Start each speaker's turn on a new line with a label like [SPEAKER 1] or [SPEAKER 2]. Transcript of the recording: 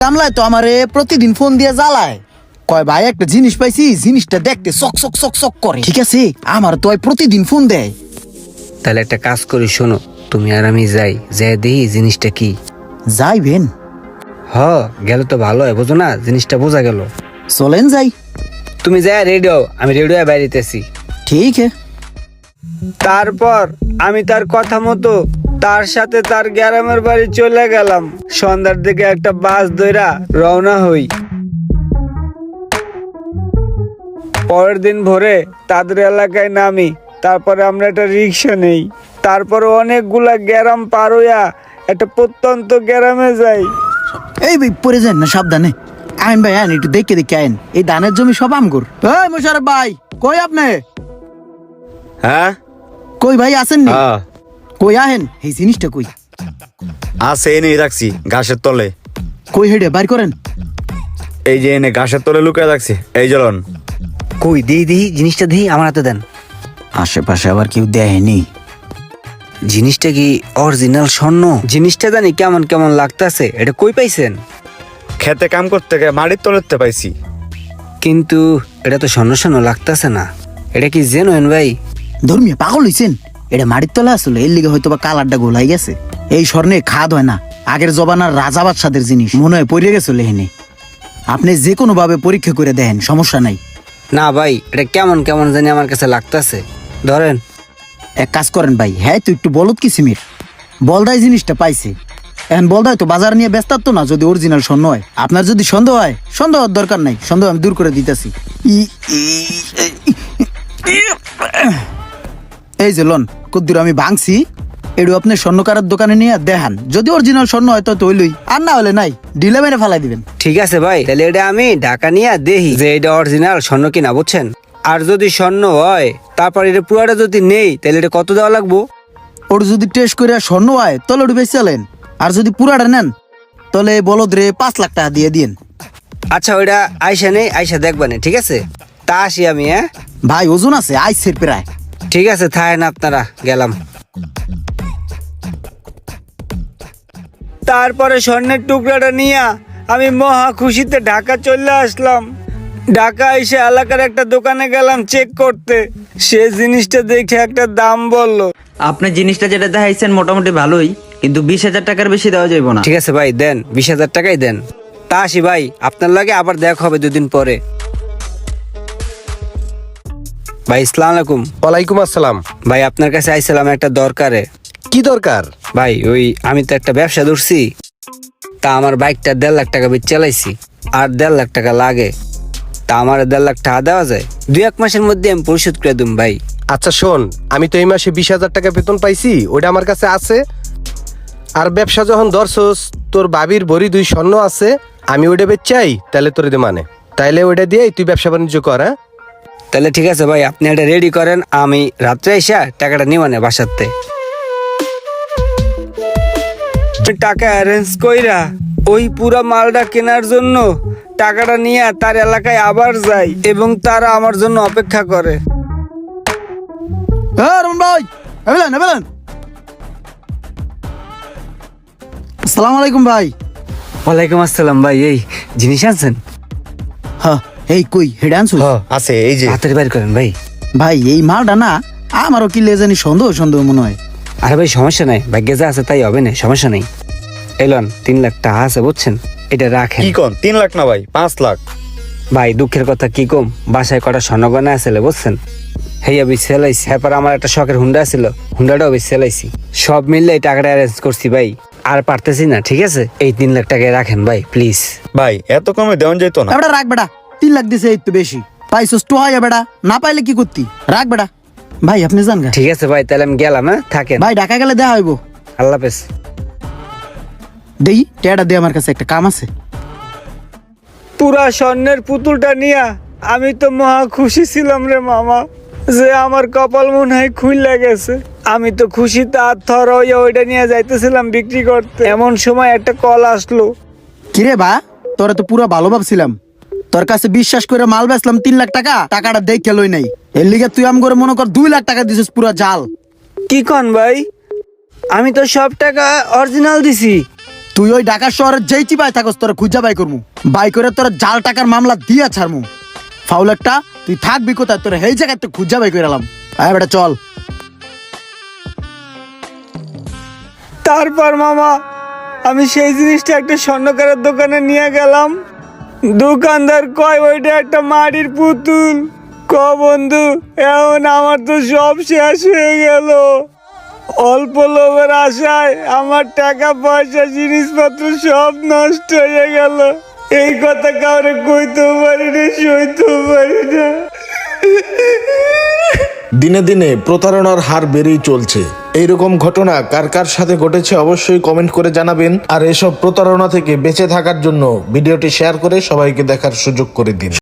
[SPEAKER 1] কামলায় তো আমারে প্রতিদিন ফোন দিয়ে জ্বালায়, কয় ভাই একটা জিনিস পাইছি, জিনিসটা দেখতে চক চক চক চক করে। ঠিক আছে, আমার তো প্রতিদিন ফোন দেয়।
[SPEAKER 2] তাহলে একটা কাজ করি, শোনো, তুমি আর আমি যাই দেখি জিনিসটা কি।
[SPEAKER 1] যাইবেন?
[SPEAKER 2] গেলে তো ভালো হয়, বোঝো না, জিনিসটা বোঝা গেল।
[SPEAKER 1] চলেন যাই।
[SPEAKER 2] তুমি যাই রেডিও, আমি রেডিও বাইরেতেছি।
[SPEAKER 1] ঠিক আছে।
[SPEAKER 2] তারপর আমি তার কথা মতো তার সাথে তার গ্রামের বাড়ি চলে গেলাম। সন্ধ্যার দিকে একটা বাস ধইরা রওনা হই। পরের দিন ভোরে তাদের এলাকায় নামি। তারপরে আমরা একটা রিক্সা নেই। তারপরে অনেকগুলা গ্রাম পার হইয়া একটা প্রত্যন্ত গ্রামে যাই।
[SPEAKER 1] এই ভাই পরে যান না, সাবধানে আইন ভাই, আইন একটু দেখে দেখে আইন। এই ধানের জমি সব আমগুর। এই মোশারফ ভাই, কই আপনি?
[SPEAKER 3] হ্যাঁ
[SPEAKER 1] কই ভাই আছেন নি?
[SPEAKER 3] হ্যাঁ
[SPEAKER 1] কই আহেন, এই জিনিসটা কই?
[SPEAKER 3] আছে, এনে রাখছি ঘাসের তলে।
[SPEAKER 1] কই হেডে বাইর করেন।
[SPEAKER 3] এই যে এনে ঘাসের তলে লুকিয়ে রাখছি, এই জ্বলন।
[SPEAKER 2] কই দিই জিনিসটা দিই, আমার হাতে দেন।
[SPEAKER 1] আশেপাশে আবার কেউ দেয়নি।
[SPEAKER 2] জিনিসটা কি অরিজিনাল স্বর্ণ? জিনিসটা জানি কেমন কেমন লাগতাছে। এটা কই পাইছেন?
[SPEAKER 3] খেতে কাম করতে গিয়ে মাটির তলেতে পাইছি।
[SPEAKER 2] কিন্তু এটা তো স্বর্ণ স্বর্ণ লাগতাছে না। এটা কি জেনুইন ভাই?
[SPEAKER 1] ধর্মীয় পাগল হইছেন? এটা মাটির তলা আসলে, এর লিগে হয়তো বা কালারটা গোলাই গেছে। এই স্বর্ণে খাদ হয় না, আগের জবানার রাজা বাদশাদের জিনিস মনে হয় পড়ে গেছে লেহেনে। আপনি যে কোনো ভাবে পরীক্ষা করে দেখেন, সমস্যা নাই।
[SPEAKER 2] না ভাই, এটা কেমন কেমন জানি আমার কাছে লাগতাছে। ধরেন।
[SPEAKER 1] এক কাজ করেন ভাই, হ্যাঁ তো একটু বলত কিসিমের বলদাই জিনিসটা পাইছে। এখন বলদাই তো বাজার নিয়ে ব্যস্ত তো না, যদি অরিজিনাল স্বর্ণ হয়। আপনার যদি সন্দেহ হয়, সন্দেহ হওয়ার দরকার নাই, সন্দেহ আমি দূর করে দিতেছি। এই যে লন কদ্দুর আমি ভাঙছি, এটু আপনি স্বর্ণকারের দোকানে নিয়ে দেখান। যদি অরিজিনাল স্বর্ণ হয় তো হইলই, আর না হলে নাই, ডিলে মেরে ফেলাই দিবেন।
[SPEAKER 2] ঠিক আছে ভাই, তাহলে এটা আমি ঢাকা নিয়ে দেখি যে এটা অরিজিনাল স্বর্ণ কিনা, বুঝছেন? আর যদি স্বর্ণ হয়, তারপর এটা পুরাটা যদি নেই, তাহলে এটা কত দেওয়া লাগবো?
[SPEAKER 1] ওর যদি টেস্ট করে স্বর্ণ হয় তাহলে ওটা বেশি চালেন, আর যদি পুরাটা নেন তাহলে বলদ রে 5 লাখ টাকা দিয়ে দিন।
[SPEAKER 2] আচ্ছা, ওইটা আইসা নেই, আইসা দেখবানে, ঠিক আছে? তা আসি আমি। হ্যাঁ
[SPEAKER 1] ভাই ওজন আছে আইসের প্রায়।
[SPEAKER 2] ঠিক আছে, থাকেন আপনারা, গেলাম। তারপরে স্বর্ণের টুকরাটা নিয়ে আমি মহা খুশিতে ঢাকা চলে আসলাম। ঢাকা এসে এলাকার একটা দোকানে গেলাম চেক করতে। সে জিনিসটা দেখে একটা দাম বললো।
[SPEAKER 4] আপনি জিনিসটা যেটা দেখাইছেন মোটামুটি ভালোই, কিন্তু 20,000 টাকার বেশি দেওয়া যাইব না।
[SPEAKER 2] ঠিক আছে ভাই, দেন 20,000 টাকাই দেন। তা আসি ভাই, আপনার লাগে আবার দেখা হবে 2 দিন পরে। ভাই আসসালামু আলাইকুম।
[SPEAKER 5] ওয়ালাইকুম আসসালাম।
[SPEAKER 2] ভাই আপনার কাছে আইছিলাম একটা দরকারে।
[SPEAKER 5] কি দরকার?
[SPEAKER 2] ভাই ওই আমি তো একটা ব্যবসা ধরছি, তা আমার বাইকটা 1.5 লাখ টাকা বেচে চালাইছি, আর 1.5 লাখ টাকা লাগে। তা আমার 1.5 লাখ টাকা দেওয়া যায়? 2-1 মাসের মধ্যে আমি পরিশোধ করে দিম ভাই।
[SPEAKER 5] আচ্ছা শোন, আমি তো এই মাসে 20,000 টাকা বেতন পাইছি, ওটা আমার কাছে আছে। আর ব্যবসা যখন ধরছস, তোর বাবির ভরি 2 স্বর্ণ আছে, আমি ওটা বেচাই, তাহলে তোর দে মানে, তাইলে ওটা দিয়ে তুই ব্যবসা বাণিজ্য কর। হ্যাঁ
[SPEAKER 2] তাহলে ঠিক আছে ভাই, আপনি এটা রেডি করেন, আমি রাত্রে এসে টাকাটা নিবানে বাসাতে। টাকা অ্যারেঞ্জ কইরা ওই পুরা মালটা কেনার জন্য টাকাটা নিয়ে তার এলাকায় আবার যাই, এবং তারা আমার জন্য অপেক্ষা করে।
[SPEAKER 1] রমন ভাই, এবেলেন এবেলেন। আসসালামু আলাইকুম ভাই।
[SPEAKER 2] ওয়ালাইকুম আসসালাম ভাই। এই জিনিস আনছেন?
[SPEAKER 1] হ্যাঁ, এই কই হেডে আনছো?
[SPEAKER 3] আছে, এই যে।
[SPEAKER 2] হাতের বাইর করেন ভাই।
[SPEAKER 1] ভাই এই মালটা না আমারও কি লেজানি সন্দেহ সন্দেহ মনে হয়।
[SPEAKER 2] আরে ভাই সমস্যা নাই, ভাগ্যে যা আছে তাই হবে না, সমস্যা নেই। এলন 3 লাখ টাকা আছে, বুঝছেন? এটা রাখেন।
[SPEAKER 3] কি কোন 3 লাখ না ভাই, 5 লাখ।
[SPEAKER 2] ভাই দুঃখের কথা কি কম, বাসায় কটা স্বর্ণগয়না আছে বুঝছেন, হেয়া বেশ সেলাইছি। এরপর আমার একটা শখের হুন্ডা ছিল, হুন্ডাটাও বেশ সেলাইছি। সব মিললে এই টাকাটা অ্যারেঞ্জ করছি ভাই, আর পারতেছি না। ঠিক আছে, এই 3 লাখ টাকায় রাখেন ভাই প্লিজ।
[SPEAKER 3] ভাই এত কমে দেওয়া যেত না।
[SPEAKER 1] বেটা রাখ বেটা, 3 লাখ দিছে, এই তো বেশি পাইছস তো হয় বেটা, না পাইলে কি করতি? রাখ বেটা। ভাই আপনি যান গা।
[SPEAKER 2] ঠিক আছে ভাই, তাহলে আমি গেলাম। হ্যাঁ থাকেন
[SPEAKER 1] ভাই, ঢাকা গেলে দেখা হইব।
[SPEAKER 2] আল্লাহ হাফেজ।
[SPEAKER 1] দেই টেয়াটা দে, আমার কাছে একটা কাম আছে।
[SPEAKER 2] পুরা স্বর্ণের পুতুলটা নিয়া আমি তো মহা খুশি ছিলাম রে মামা, যে আমার কপাল মনে হয় খুইলা গেছে। আমি তো খুশিতে আত্মহর হইয়া ওইটা নিয়ে যাইতেছিলাম বিক্রি করতে, এমন সময় একটা কল আসলো।
[SPEAKER 1] কিরে বা, তোরা তো পুরো ভালো ভাবছিলাম, তোর কাছে বিশ্বাস করে মাল বেচলাম 3 লাখ টাকা, টাকাটা দেখে লই নাই। এর লিগে তুই আম করে মনে কর 2 লাখ টাকা দিছিস পুরো জাল।
[SPEAKER 2] কি কন ভাই? আমি তো সব টাকা অরিজিনাল দিছি।
[SPEAKER 1] তুই ওই ঢাকা শহরের যেই চিপায় থাকস তোরা খুঁজা বাই করমু, বাই করে তোরা জাল টাকার মামলা দিয়া ছাড়মু। ফাউল একটা, তুই থাকবি কোথায়? তোরা এই জায়গায় তো খুঁজা বাই করে এলাম। আয় বেটা চল।
[SPEAKER 2] তারপর মামা আমি সেই জিনিসটা একটা স্বর্ণকারের দোকানে নিয়ে গেলাম। দোকানদার কয় ওইটা একটা মাটির পুতুল। বন্ধু এখন আমার তো সব শেষ হয়ে গেল। অল্প লোভের আশায় আমার টাকা পয়সা জিনিসপত্র সব নষ্ট হয়ে গেল। এই কথা কাউরে কইতেও পারি না, সইতেও পারি না।
[SPEAKER 6] দিনে দিনে প্রতারণার হার বেড়েই চলছে। এইরকম ঘটনা কার কার সাথে ঘটেছে অবশ্যই কমেন্ট করে জানাবেন। আর এসব প্রতারণা থেকে বেঁচে থাকার জন্য ভিডিওটি শেয়ার করে সবাইকে দেখার সুযোগ করে দিন।